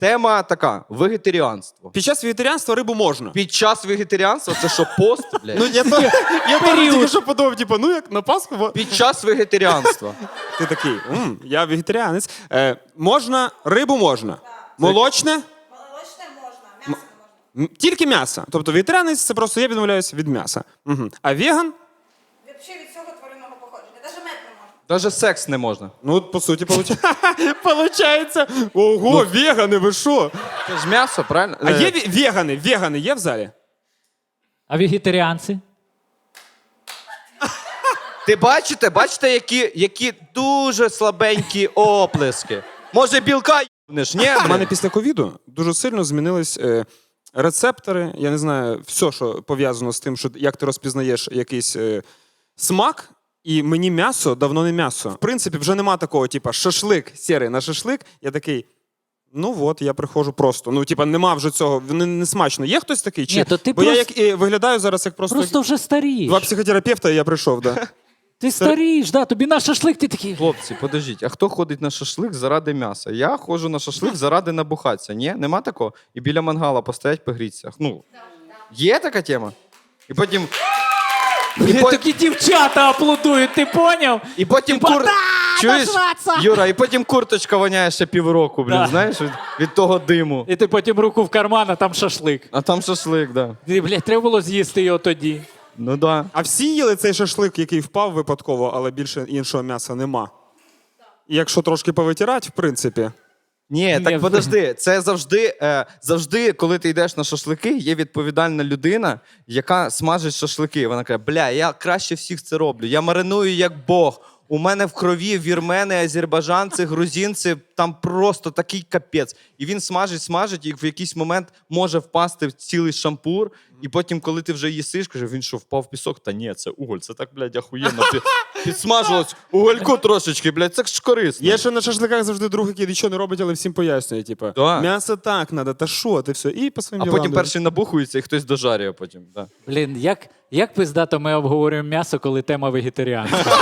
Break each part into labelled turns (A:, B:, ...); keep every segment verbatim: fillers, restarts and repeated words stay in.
A: Тема така: вегетаріанство.
B: Під час вегетаріанства рибу можна.
A: Під час вегетаріанства це що, пост, блядь?
B: Ну, я, то, я теж тільки що подумав, типу, ну як на Пасху. бо-
A: Під час вегетаріанства.
B: Ти такий, М, я вегетаріанець. Е, можна, рибу можна. Молочне?
C: Молочне можна, м'ясо не можна.
B: М, Тільки м'ясо. Тобто вегетаріанець – це просто я відмовляюся від м'яса. Угу. А веган?
C: Взагалі від цього тваринного походження. Навіть мед не можна.
A: Даже секс не можна.
B: Ну, от, по суті, виходить. Ого, вегани, ви що?
A: Це ж м'ясо, правильно?
B: А
A: Е,
B: є ве- вегани? Вегани є в залі?
D: А вегетаріанці?
A: Ти бачите, бачите, які, які дуже слабенькі оплески. Може, білка їбнеш, ні?
B: У мене після ковіду дуже сильно змінились е, рецептори. Я не знаю, все, що пов'язано з тим, що як ти розпізнаєш якийсь е, смак. І мені м'ясо давно не м'ясо. В принципі, вже нема такого, типа, шашлик, сірий на шашлик. Я такий, ну от, я приходжу просто. Ну, типа, нема вже цього, не, не смачно. Є хтось такий? Чи...
D: Ні, то ти
B: Бо я
D: просто-
B: як і виглядаю зараз як просто,
D: Просто вже старієш.
B: два психотерапевта, і я прийшов, да.
D: Ти старієш, да, тобі на шашлик ти такий.
A: Хлопці, подождіть, а хто ходить на шашлик заради м'яса? Я ходжу на шашлик заради набухатися. Ні? Нема такого? І біля мангала постоять, погріться. Ну, є така тема? І потім... І,
D: І
A: по...
D: такі дівчата аплодують, ти поняв?
A: і потім
D: Типа,
A: кур...
D: «Да,
A: Чуєш,
D: нажраться!»
A: Юра, і потім курточка воняє ще півроку, блін,
D: Да.
A: знаєш, від, від того диму.
D: І ти потім руку в карман, а там шашлик.
A: А там шашлик, да.
D: Ти, блядь, треба було з'їсти його тоді.
A: Ну да.
B: А всі їли цей шашлик, який впав випадково, але більше іншого м'яса нема. І якщо трошки повитирати, в принципі.
A: Ні,
D: Ні,
A: так подожди, це завжди, е, завжди, коли ти йдеш на шашлики, є відповідальна людина, яка смажить шашлики. Вона каже, бля, я краще всіх це роблю, я мариную як Бог. У мене в крові вірмени, азербайджанці, грузинці, там просто такий капець. І він смажить, смажить, і в якийсь момент може впасти в цілий шампур, і потім, коли ти вже їсиш, каже, він що, впав в пісок? Та ні, це уголь, це так, блядь, ахуєнно. Під, підсмажилось угольку трошечки, блядь, це ж корисно.
B: Є ще на шашликах завжди друг, який нічого не робить, але всім пояснює. Типу,
A: Да.
B: м'ясо так треба, та що, ти все. І по своїм
A: А
B: ділам.
A: потім перший набухується, і хтось дожарює потім. Да.
D: Блін, як, як пиздато ми обговорюємо м'ясо, коли тема вегетаріанства.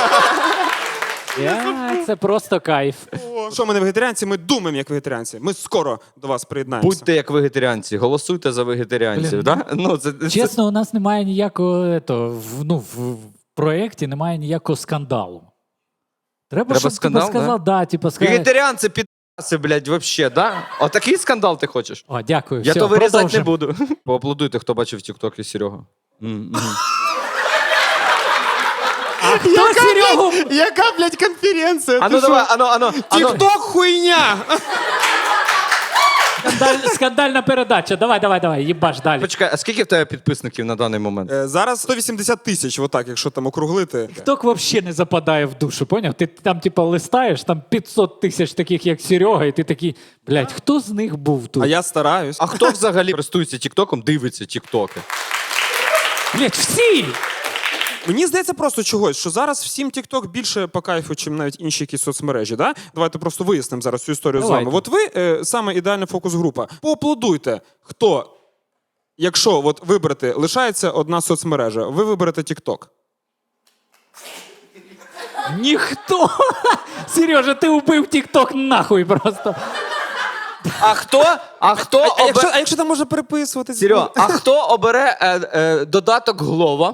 D: Я, це просто кайф.
B: О, що ми не вегетаріанці, ми думаємо як вегетаріанці. Ми скоро до вас приєднаємося.
A: Будьте як вегетаріанці, голосуйте за вегетаріанців.
D: Блін.
A: Да? Ну, це, це...
D: Чесно, у нас немає ніякого ето, в, ну, в, в проєкті немає ніякого скандалу. Треба,
A: Треба
D: щоб
A: скандал,
D: типу, сказав, да? типу, сказав,
A: Вегетаріанці підаси, блядь, вообще, да? Отакий скандал ти хочеш?
D: О, дякую.
A: Я
D: все,
A: то вирізати не
D: продовжимо.
A: буду. Поаплодуйте, хто бачив тік-ток і Серега. М, м.
D: А хто Серегу?
B: Яка, блядь, конференція?
A: Ану, давай, ану, ану, ану.
B: Тік-ток хуйня!
D: Скандаль, скандальна передача. Давай, давай, давай, їбаш далі.
A: Почекай, а скільки в тебе підписників на даний момент?
B: Е, Зараз сто вісімдесят тисяч, отак, якщо там округлити.
D: Тік-ток взагалі не западає в душу, поняв? Ти там, типу, листаєш, там п'ятсот тисяч таких, як Серега, і ти такий, блядь, хто з них був тут?
B: А я стараюсь.
A: А хто взагалі користується тік-током, дивиться тік-токи?
D: Блядь, всі!
B: Мені здається просто чогось, що зараз всім TikTok більше по кайфу, чим навіть інші якісь соцмережі. Да? Давайте просто вияснимо зараз цю історію
D: Давайте.
B: з вами. От ви е, саме ідеальна фокус-група. Поаплодуйте, хто, якщо от вибрати, лишається одна соцмережа, ви виберете TikTok.
D: Ніхто! Сережа, ти убив тік-ток нахуй просто.
A: А хто? А хто
B: А якщо,
A: обере...
B: а якщо там можна переписувати?
A: Серега, а хто обере е, е, додаток Глова?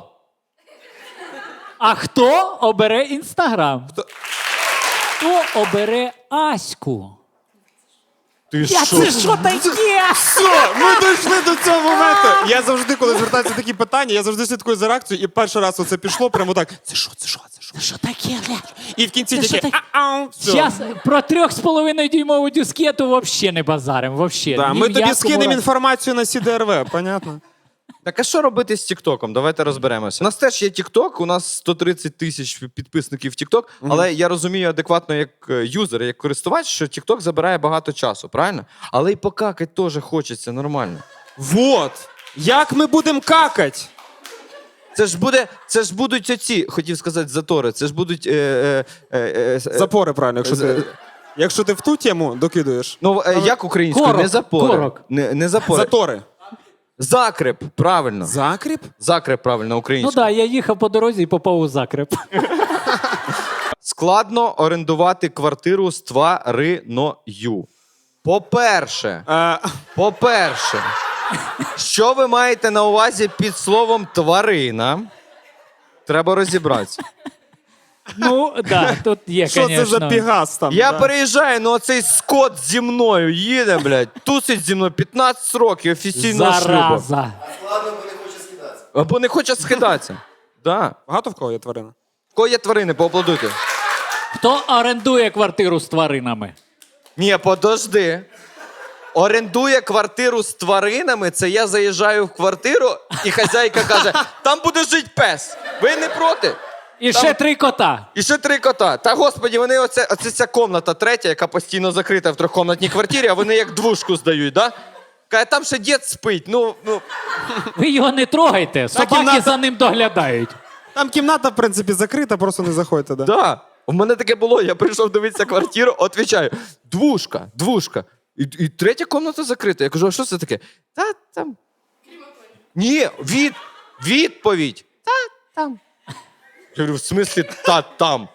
D: А хто обере Інстаграм? Хто, хто обере Аську?
A: Ти
D: Я це що таке?
B: Все, ми дійшли до цього моменту. Я завжди, коли звертаються такі питання, я завжди слідкую за реакцією, і перший раз оце пішло прямо так. Це що, це що, це що?
D: Що таке, блядь?
B: І в кінці
D: Це що
B: таке.
D: таке?
B: «А-ау», все.
D: Зараз про трьох з половиною дюймову дискету взагалі не базарим, взагалі.
B: Да,
D: Ні
B: ми
D: в
B: тобі
D: якому
B: скинемо
D: разі.
B: інформацію на Сі Ді Ар В, понятно?
A: Так а що робити з Тіктоком? Давайте розберемося. У нас теж є Тікток, у нас сто тридцять тисяч підписників в Тікток, але я розумію адекватно як е, юзер, як користувач, що Тікток забирає багато часу, правильно? Але й покакать теж хочеться нормально.
B: Вот. Як ми будемо какать?
A: Це ж буде, це ж будуть оці, хотів сказати, затори. Це ж будуть. Е, е, е, е,
B: Запори, правильно, якщо ти, якщо ти в ту тему докидуєш.
A: Ну, е, як українською?
D: Корок,
A: Не запори.
D: корок.
A: Не, не запори.
B: Затори.
A: Закреп, правильно.
B: Закріп?
A: Закреп, правильно,
D: Ну
A: українською.
D: так, да, я їхав по дорозі і попав у закреп.
A: Складно орендувати квартиру з твариною. По-перше,
B: Е,
A: по-перше, що ви маєте на увазі під словом тварина? Треба розібратися.
D: Ну, да, тут є,
B: Що це за
D: конечно.
B: пігас там?
A: Я
B: да?
A: переїжджаю, ну оцей скот зі мною їде, блядь, тусить зі мною п'ятнадцять років офіційного шлюбу.
D: Зараза.
A: Або не хоче скидатися. Да.
B: Багато в кого є тварина?
A: В кого є тварини, поаплодуйте.
D: Хто орендує квартиру з тваринами?
A: Ні, подожди. Орендує квартиру з тваринами, це я заїжджаю в квартиру, і хазяйка каже, там буде жити пес. Ви не проти?
D: І
A: Там-
D: ще три кота.
A: І ще три кота. Та господі, вони оце, оце ця комната третя, яка постійно закрита в трьохкомнатній квартирі, а вони як двушку здають, да? Каже, там ще дід спить. Ну, ну.
D: Ви його не трогайте, собаки
B: кімната-
D: за ним доглядають.
B: Там кімната, в принципі, закрита, просто не заходьте. Да?
A: Да. У мене таке було, я прийшов дивитися квартиру, відповідаю, двушка, двушка. І, і третя комната закрита. Я кажу, а що це таке? Та там. Ні, від, відповідь. Та там. Я говорю, в смислі та там?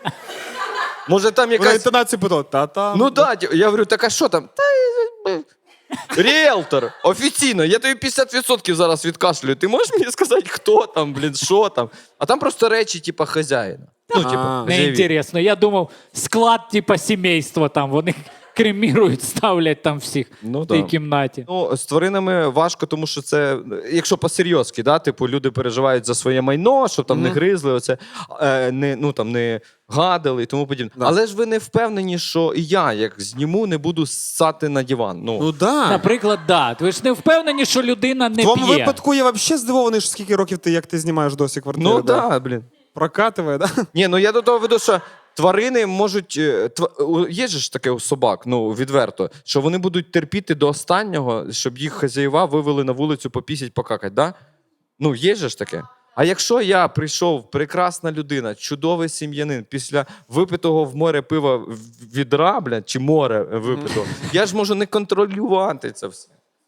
A: Може там
B: Вона
A: якась.
B: інтонацію питала, та-та.
A: Ну да, ті- я говорю, так а що там? Та е, е, ріелтор, офіційно, я тобі п'ятдесят відсотків зараз відкашлюю. Ти можеш мені сказати, хто там, блін, що там? А там просто речі, типа, хазяїна. Ну, типа,
B: А.
D: Не
A: хазяєві.
D: інтересно. Я думав, склад, типа сімейства там, вони кремірують, ставлять там всіх
A: Ну
D: в тій
A: да.
D: кімнаті.
A: Ну, з тваринами важко, тому що це, якщо по-серйозки, да, типу, люди переживають за своє майно, щоб там не гризли, оце, е, не, ну, там, не гадили і тому подібне.
B: Да.
A: Але ж ви не впевнені, що і я, як зніму, не буду ссати на диван. Ну,
B: Ну да.
D: Наприклад, да. Ви ж не впевнені, що людина не
B: В твоєму
D: п'є.
B: випадку я взагалі здивований, що скільки років ти, як ти знімаєш досі квартиру.
A: ну да, блін.
B: Прокативає, да?
A: Ні, ну я до того веду, що тварини можуть. е, тва- у- Є ж таке у собак, ну відверто, що вони будуть терпіти до останнього, щоб їх хазяєва вивели на вулицю попісять, покакать, да? Ну, є же ж таке. А якщо я прийшов, прекрасна людина, чудовий сім'янин, після випитого в море пива в- відра, блядь, чи море випитого, я ж можу не контролювати це все.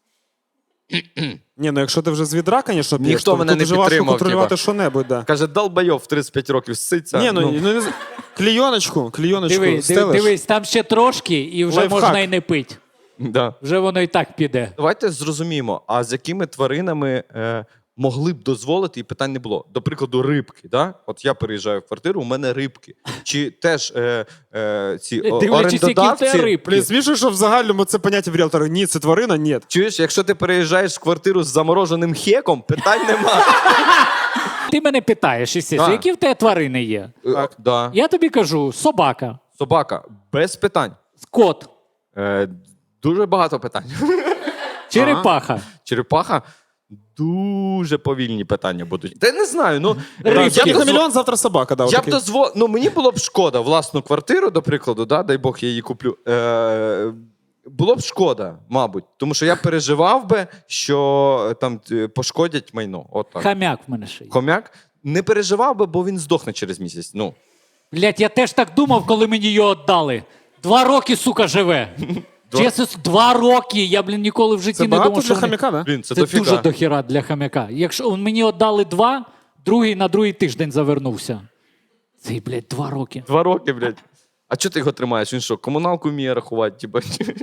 B: Ні, ну якщо ти вже з відра, звісно, п'єш,
A: Ніхто
B: то
A: мене
B: тут
A: не
B: дуже важко
A: підтримав,
B: контролювати
A: типа.
B: що-небудь, да.
A: Каже, долбайов в тридцять п'ять років ситься.
B: Ні, ну, ну, не з- клійоночку, клійоночку
D: Диви, диви,
B: стелиш.
D: дивись, там ще трошки, і вже
B: Лайфхак.
D: можна і не пити.
A: да.
D: Вже воно і так піде.
A: Давайте зрозуміємо, а з якими тваринами е, могли б дозволити, і питань не було. До прикладу, рибки. Да? От я переїжджаю в квартиру, у мене рибки. Чи теж е, е, ці о-
D: Дивлячись, які в тебе
A: орендодавці...
D: рибки.
B: Блін, смішно, що в загальному це поняття в ріелтора. Ні, це тварина, ні.
A: Чуєш, якщо ти переїжджаєш в квартиру з замороженим хеком, питань нема.
D: Ти мене питаєш, естественно,
A: Да.
D: які в тебе тварини є?
A: Е, да.
D: Я тобі кажу, собака,
A: Собака, без питань.
D: кот,
A: Е, дуже багато питань.
D: черепаха.
A: Черепаха. Дуже повільні питання будуть. Та я не знаю, ну... е,
D: Рибки.
A: я б
B: Сьогодні
A: дозво-
B: хамелеон, завтра собака. Да,
A: Я б
B: отакий.
A: дозволив, ну мені було б шкода власну квартиру, до прикладу, да, дай Бог я її куплю. Е, було б шкода, мабуть, тому що я переживав би, що е, там е, пошкодять майно. От так.
D: Хам'як в мене ще є.
A: Хомяк не переживав би, бо він здохне через місяць. Ну.
D: Блять, я теж так думав, коли мені його віддали. Два роки, сука, живе.
A: Два-
D: Чесно, два роки. Я, блін, ніколи в житті
B: Це
D: не
B: багато
D: думав,
B: для
D: що вони...
B: хам'яка, да?
A: Блін, це,
D: Це
A: дофіга.
D: дуже дохіра для хам'яка. Якщо мені віддали два, другий на другий тиждень завернувся. Це, блядь, два роки.
A: Два роки, блядь. А чого ти його тримаєш? Він що, комуналку вміє рахувати? Типа?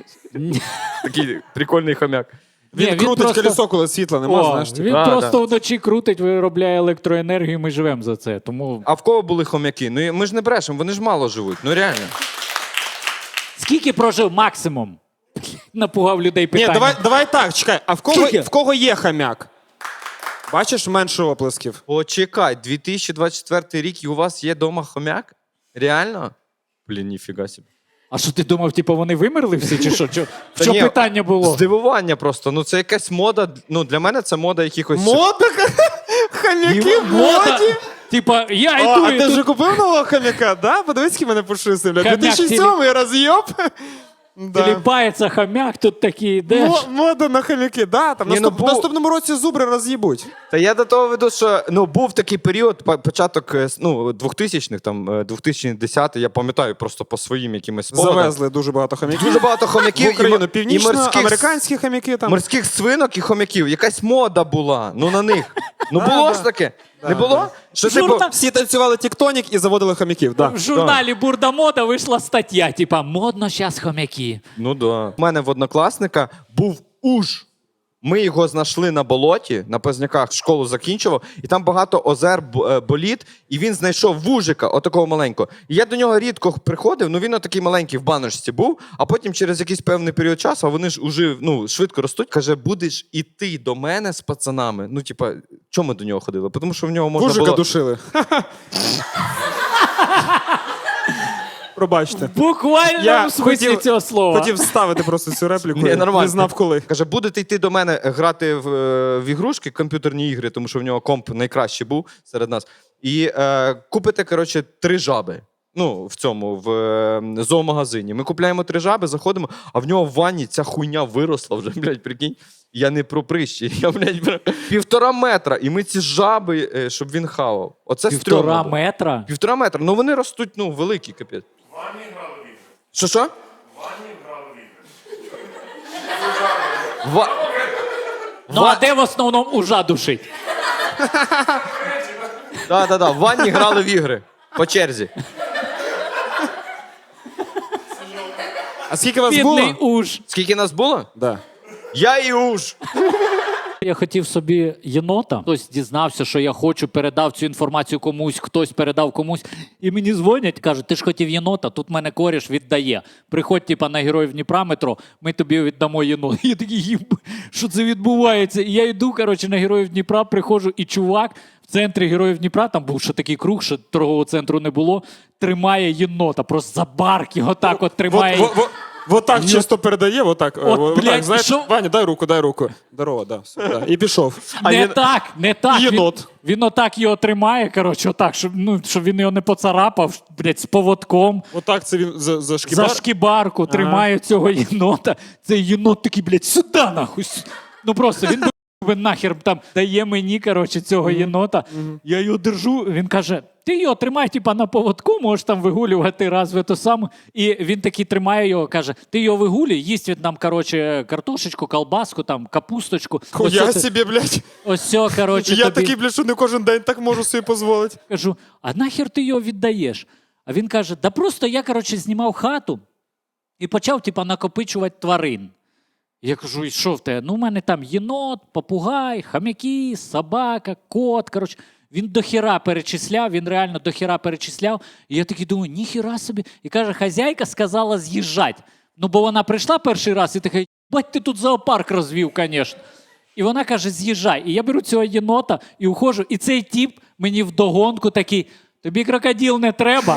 A: Такий прикольний хомяк.
B: Він,
D: Ні, він
B: крутить
D: просто-
B: колесо, коли світла нема,
D: О,
B: знаєш. типу.
D: він
A: Да,
D: просто вночі крутить, виробляє електроенергію, ми живемо за це. Тому
A: А в кого були хомяки? Ну ми ж не брешемо, вони ж мало живуть. Ну реально.
D: скільки прожив максимум? Напугав людей
B: Ні,
D: питанням.
B: давай, давай так, чекай. А в кого,
D: Скільки?
B: в кого є хам'як? Бачиш, менше оплесків.
A: Почекай, дві тисячі двадцять четвертий рік і у вас є дома хомяк? Реально? Блін, ніфіга собі.
D: А що ти думав, типу, вони вимерли всі, чи що? Чо- В
A: Та
D: чому
A: ні,
D: питання було?
A: Здивування просто. Ну це якась мода. Ну для мене це мода якихось.
B: Мода? Хам'яки в
D: Мода.
B: моді?
D: Типа, я
B: О,
D: йду,
B: а
D: і
B: ти
D: тут
B: вже купив нового хам'яка? Да? Подивись, який мене пушистий, бля.
D: Хам'як
B: дві тисячі сьомий роз'єб. Да.
D: тіліпається хам'як, тут такий йдеш.
B: Мо- Мода на хам'яки, да. Там
A: Ні,
B: наступ...
A: ну, бу-
B: в наступному році зубри роз'їбуть.
A: Та я до того веду, що ну був такий період, по- початок е, ну, двохтисячних, там е, дві тисячі десятий, я пам'ятаю просто по своїм якимось спогадам.
B: Завезли дуже багато хам'яків.
A: Дуже багато
B: В
A: хомяків і,
B: Україну
A: м- і
B: північно,
A: морських,
B: американські хам'яки там.
A: морських свинок і хомяків. Якась мода була. Ну на них. Ну було ж таке? Не було? Що типу,
D: Журна-
B: Всі танцювали тіктонік і заводили хомяків. Да.
D: В журналі Бурда Мода вийшла стаття, типа модно зараз хомяки.
A: ну да. У мене в однокласника був уж. Ми його знайшли на болоті, на Позняках, школу закінчував, і там багато озер, б- е, боліт, і він знайшов вужика, отакого маленького. І я до нього рідко приходив, ну він отакий маленький в баночці був, а потім через якийсь певний період часу, а вони ж уже ну, швидко ростуть, каже, будеш іти до мене з пацанами. Ну, типа, чому ми до нього ходили? Тому що в нього можна
B: Вужика
A: було...
B: душили. Пробачте.
D: В буквальному
B: Я
D: смислі
B: хотів-
D: цього слова.
B: Хотів вставити просто цю репліку.
A: Ні, нормально.
B: Не знав коли.
A: Каже, будете йти до мене грати в, е, в ігрушки, комп'ютерні ігри, тому що в нього комп найкращий був серед нас. І е, купите, коротше, три жаби. Ну, в цьому, в е, зоомагазині. Ми купляємо три жаби, заходимо, а в нього в ванні ця хуйня виросла вже, блядь, прикинь. Я не про прищі, я, блядь, про півтора метра. І ми ці жаби, е, щоб він хавав. Оце
D: Півтора
A: стрьомно було.
D: метра.
A: Півтора метра. Ну вони ростуть, ну, великі, капець. Що, що? Ва...
D: Ну а де в основному ужа душить?
A: Так, так, так. В ванні грали в ігри. По черзі.
B: А скільки вас
D: Бідний
B: було?
D: уж.
A: Скільки нас було?
B: Да.
A: Я і уж.
D: Я хотів собі єнота. Хтось дізнався, що я хочу, передав цю інформацію комусь, хтось передав комусь. І мені дзвонять, кажуть, ти ж хотів єнота, тут мене коріш віддає. Приходь, типа, на Героїв Дніпра метро, ми тобі віддамо єнота. Я такий, «Їб, що це відбувається? І я йду, коротше, на Героїв Дніпра, приходжу, і чувак в центрі Героїв Дніпра, там був ще такий круг, що торгового центру не було, тримає єнота, просто за барки, отак от тримає.
B: Вот, вот, вот так чисто передає, вот так.
D: От,
B: вот
D: блядь,
B: так, знаєш,
D: що?
B: Ваня, дай руку, дай руку. Здорово, да, все, да. І пішов.
D: Не
A: є-
D: так, не так.
B: Єнот.
D: Він, він отак його тримає, коротше, отак, щоб, ну, щоб він його не поцарапав, блядь, з поводком.
B: Отак це він за, за шкібар.
D: За шкібарку тримає цього єнота. Цей єнот такий, блядь, сюди нахуй. с- Ну просто він би нахер там дає мені, коротше, цього єнота. Я його держу, він каже, ти його тримай, типа, на поводку, можеш там вигулювати раз в ту саму. І він такий тримає його, каже, ти його вигулюй, їсть він нам, коротше, картошечку, колбаску, там, капусточку.
B: Хуя
D: Ось це-
B: собі, блядь.
D: Ось цього, коротше,
B: Я
D: тобі.
B: такий, блядь, що не кожен день так можу собі дозволити.
D: Кажу, а нахер ти його віддаєш? А він каже, да просто я, коротше, знімав хату і почав, типа, накопичувати тварин. Я кажу, і що в тебе? Ну, у мене там єнот, попугай, хам'яки, собака, кот. Коротше, він дохіра перечисляв, він реально дохіра перечисляв. І я такий думаю, ніхіра собі. І каже, хазяйка сказала з'їжджати. Ну, бо вона прийшла перший раз і така, бать, ти тут зоопарк розвів, звісно. І вона каже, з'їжджай. І я беру цього єнота і уходжу. І цей тіп мені вдогонку такий, тобі крокодил не треба.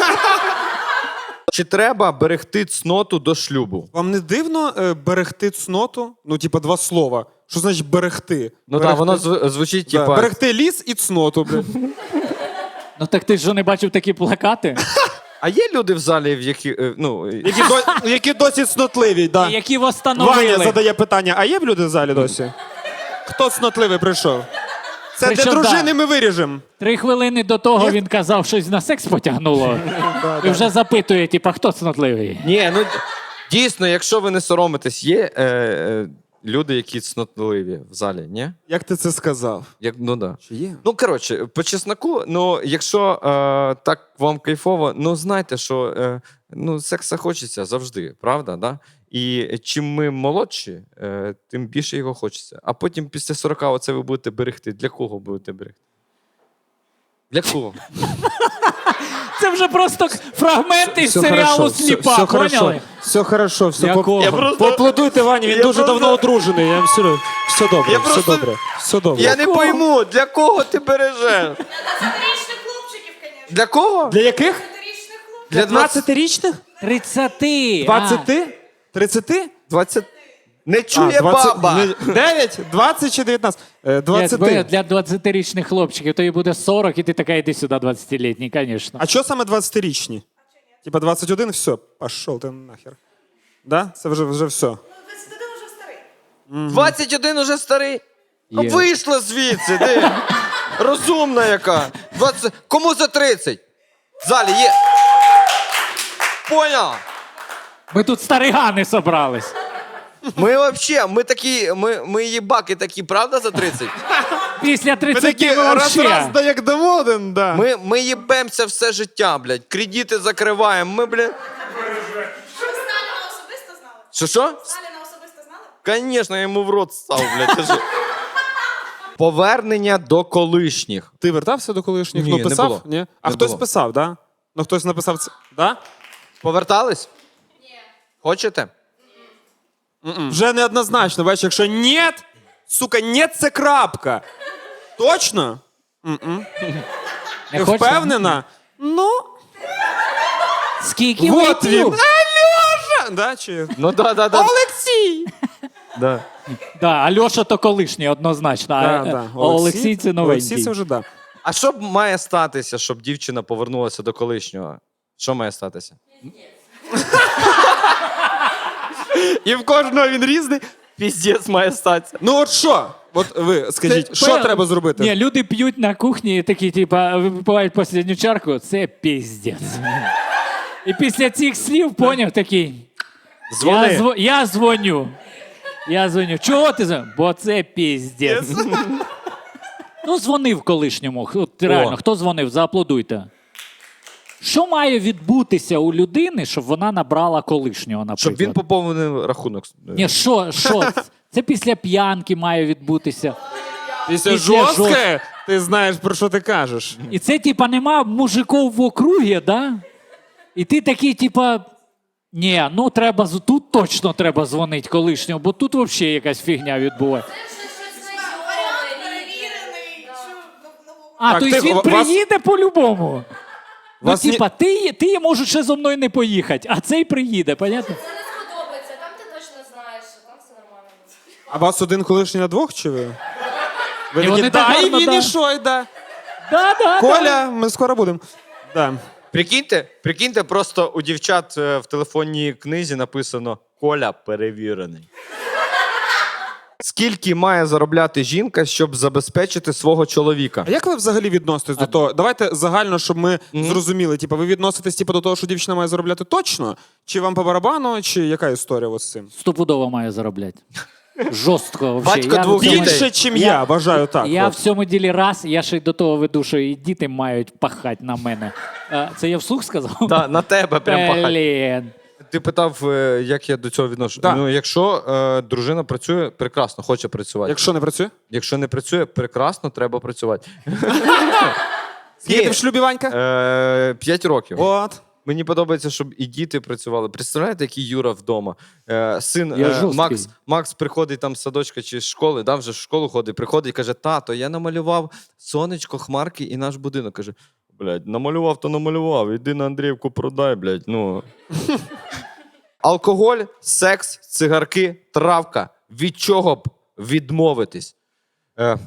A: Чи треба берегти цноту до шлюбу?
B: Вам не дивно е, берегти цноту? Ну, типа, два слова. Що значить берегти?
A: Ну
B: Берегти-
A: так, воно зв- звучить,
B: Да,
A: типа.
B: Берегти ліс і цноту, блядь.
D: Ну так ти ж не бачив такі плакати?
A: А є люди в залі, в які. е, Ну,
B: Які, до... Які досі цнотливі, да.
D: Які
B: Ваня
D: встановили.
B: задає питання, а є в люди в залі досі? Хто цнотливий прийшов? Це
D: Причому,
B: для дружини
D: да.
B: ми виріжемо.
D: Три хвилини до того він казав, щось на секс потягнуло. І вже запитує, типа, хто цнотливий?
A: Ні, ну дійсно, якщо ви не соромитесь, є е, е, люди, які цнотливі в залі, ні?
B: Як ти це сказав?
A: Як, ну да.
B: Чи є?
A: Ну, коротше, по чесноку, ну, якщо е, так вам кайфово, ну знайте, що е, ну, секса хочеться завжди, правда? Да? І чим ми молодші, е, тим більше його хочеться. А потім після сорока оце ви будете берегти. Для кого будете берегти? Для кого?
D: Це вже просто фрагменти із серіалу «Сліпа»,
B: все,
D: поняли?
B: Все хорошо, все
D: Якого?
A: Я просто-
B: Поаплодуйте Вані, він
A: Я
B: дуже
A: просто-
B: давно одружений. Я вам все, все добре,
A: Я
B: все
A: просто-
B: добре, все добре.
A: Я не пойму, для кого ти бережеш?
C: двадцятирічних хлопчиків, звісно.
A: Для кого?
B: Для яких?
C: двадцятирічних хлопчиків.
A: Для двадцяти.
B: двадцятирічних?
D: Тридцяти.
B: двадцяти? тридцяти?
A: двадцять. Не чує баба.
B: дев'ять? двадцять чи дев'ятнадцять? Е,
D: А,
B: двадцяти.
D: для двадцятирічних хлопчиків, то їй буде сорок, і ти така, йди сюди, двадцятилітній, звісно.
B: А що саме двадцятирічні? Типа двадцять один, все, пішов ти нахер. Да? Це вже, вже все.
C: Ну, двадцять один вже старий.
A: двадцять один уже старий. Ну,
D: Є.
A: вийшла звідси, ти. Розумна яка. двадцять... Кому за тридцять? В залі є. Поняв?
D: Ми тут старигани собрались.
A: Ми вообще, ми такі, ми, ми їбаки такі, правда, за тридцять?
D: Після
B: Ми
D: тридцяти
B: такі
D: ми
B: раз-раз,
D: вообще.
B: да як доводен, да.
A: Ми, ми їбемося все життя, блядь. Кредити закриваємо. Ми, блядь.
C: Ви Сталіна особисто знали?
A: Що що?
C: Сталіна особисто знали?
A: Звісно, я йому в рот став, блядь. Ти що? Повернення до колишніх.
B: Ти вертався до колишніх?
A: Ні,
B: ну,
A: не
B: писав?
A: було.
B: Ні? А
A: Не
B: хтось
A: було.
B: писав, да? Ну, хтось написав це. Да?
A: Повертались? Ні. Хочете?
B: Вже неоднозначно, бачиш, якщо ні, сука, ні, це крапка. Точно?
D: Не
B: Ти
D: хочете?
B: впевнена? Ну,
D: Скільки
B: от він.
D: вип'ю?
B: Альоша! Да, чи...
A: Ну да, да, да.
B: Олексій!
A: да.
D: Да, Альоша то колишній, однозначно.
B: Да,
D: а,
B: да.
D: а Олексій це новенький.
B: Олексій це вже да.
A: А що б має статися, щоб дівчина повернулася до колишнього? Що має статися?
B: І в кожного він різний.
A: Піздець має статися.
B: Ну от що? От ви скажіть,
D: Це
B: що
D: пе-
B: треба зробити?
D: Ні, люди п'ють на кухні і такі, типа, випивають останню чарку, це піздець. І після цих слів поняв такий.
A: Дзвони.
D: Я, зв... я дзвоню. Я дзвоню. Чого ти дзвониш? Бо це піздець. Ну, дзвонив колишньому. От, реально,
A: О.
D: хто дзвонив? Зааплодуйте. Що має відбутися у людини, щоб вона набрала колишнього, наприклад?
A: Щоб він поповнив рахунок.
D: Ні, що, що? Це після п'янки має відбутися.
B: Після
D: Після
B: жорстке, ти знаєш, про що ти кажеш.
D: І це, типа, нема мужиків в округі, да? І ти такий, типа, ні, ну треба, з- тут точно треба дзвонити колишньому, бо тут взагалі якась фігня відбувається.
C: Варіант перевірений. Що, ну, ну,
D: А,
B: Так,
D: то
B: тихо,
D: він
B: вас-
D: приїде по-любому. Ну,
B: Вас ні-
D: типа, ти, ти можеш ще зо мною не поїхати, а цей приїде, понятно?
E: Це не сподобається, там ти точно знаєш, що там все нормально.
B: А вас один колишній на двох, чи ви? Ви
D: Ні,
B: такі,
D: вони так
B: да, і
D: гарно,
B: він,
D: да.
B: і що, і да.
D: Да, да, да.
B: Коля, ми скоро будемо. Да.
A: Прикиньте, прикиньте, просто у дівчат е, в телефонній книзі написано Коля перевірений. Скільки має заробляти жінка, щоб забезпечити свого чоловіка?
B: А як ви взагалі відноситесь до того? Давайте загально, щоб ми зрозуміли. Типа, ви відноситесь типу, до того, що дівчина має заробляти точно? Чи вам по барабану, чи яка історія от з цим?
D: Стопудово має заробляти. Жорстко вообще.
A: Батько
D: Я в
A: двох
D: цьому-
A: дітей.
B: Більше, чим я, вважаю так.
D: Я
B: от.
D: в цьому ділі раз, я ще й до того веду, що і діти мають пахати на мене. А, це я вслух сказав?
A: Да, на тебе прям пахать.
D: Блін.
A: Ти питав, е, як я до цього відношу.
B: Да.
A: Ну, якщо е, дружина працює, прекрасно, хоче працювати.
B: Якщо не працює?
A: Якщо не працює, прекрасно, треба працювати.
B: Скільки ти
A: Ні.
B: в шлюбі, Ванька?
A: Е, П'ять років.
B: От.
A: Мені подобається, щоб і діти працювали. Представляєте, який Юра вдома? Е, син
D: Я
A: е,
D: жорсткий.
A: Макс, Макс приходить там з садочка чи з школи, да, вже в школу ходить, приходить і каже: тато, я намалював сонечко, хмарки і наш будинок. Каже: блядь, намалював, то намалював. Іди на Андріївку продай, блядь. Ну. Алкоголь, секс, цигарки, травка. Від чого б відмовитись? Е.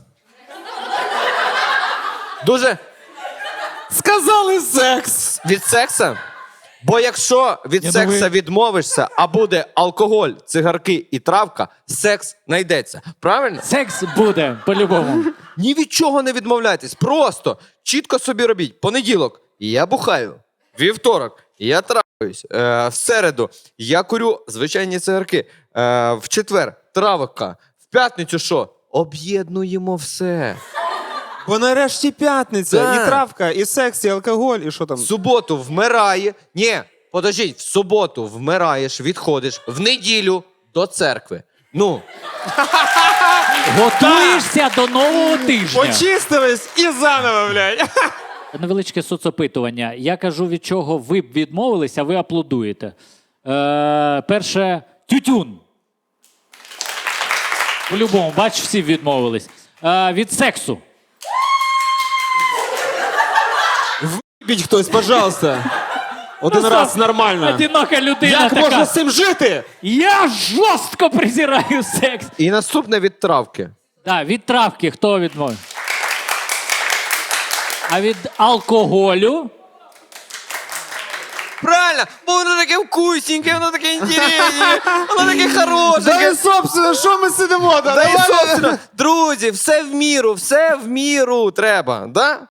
A: Дуже.
B: Сказали секс!
A: Від секса? Бо якщо від
D: Я
A: секса
D: думаю-
A: відмовишся, а буде алкоголь, цигарки і травка, секс знайдеться. Правильно?
D: Секс буде по-любому.
A: Ні від чого не відмовляйтесь. Просто чітко собі робіть. Понеділок я бухаю. Вівторок я трахаюсь. Е, в середу я курю звичайні цигарки. Е, в четвер травка. В п'ятницю що? Об'єднуємо все.
B: Бо нарешті п'ятниця,
A: Да.
B: і травка, і секс, і алкоголь, і що там.
A: В суботу вмирає. Ні, подождіть, в суботу вмираєш, відходиш, в неділю до церкви. Ну,
D: Готуєшся до нового тижня.
B: Почистились і заново, блядь.
D: Невеличке соцопитування. Я кажу, від чого ви б відмовилися, а ви аплодуєте. Е, перше, тютюн. По-любому, бач, всі відмовились. Е, від сексу.
B: Біть хтось, пожалуйста. Один
D: Ну,
B: раз
D: стоп.
B: нормально.
D: Одинока людина
B: Як
D: така.
B: можна з цим жити?
D: Я жорстко презираю секс.
A: і наступне від травки.
D: Да, від травки хто відмовив? А від алкоголю?
A: Правильно, бо воно таке вкусненьке, воно таке інтересне, воно таке
B: Да
A: хорошеньке.
B: і, собственно, що ми сидимо? Да,
A: Да і,
B: давай.
A: собственно, друзі, все в міру, все в міру треба, да?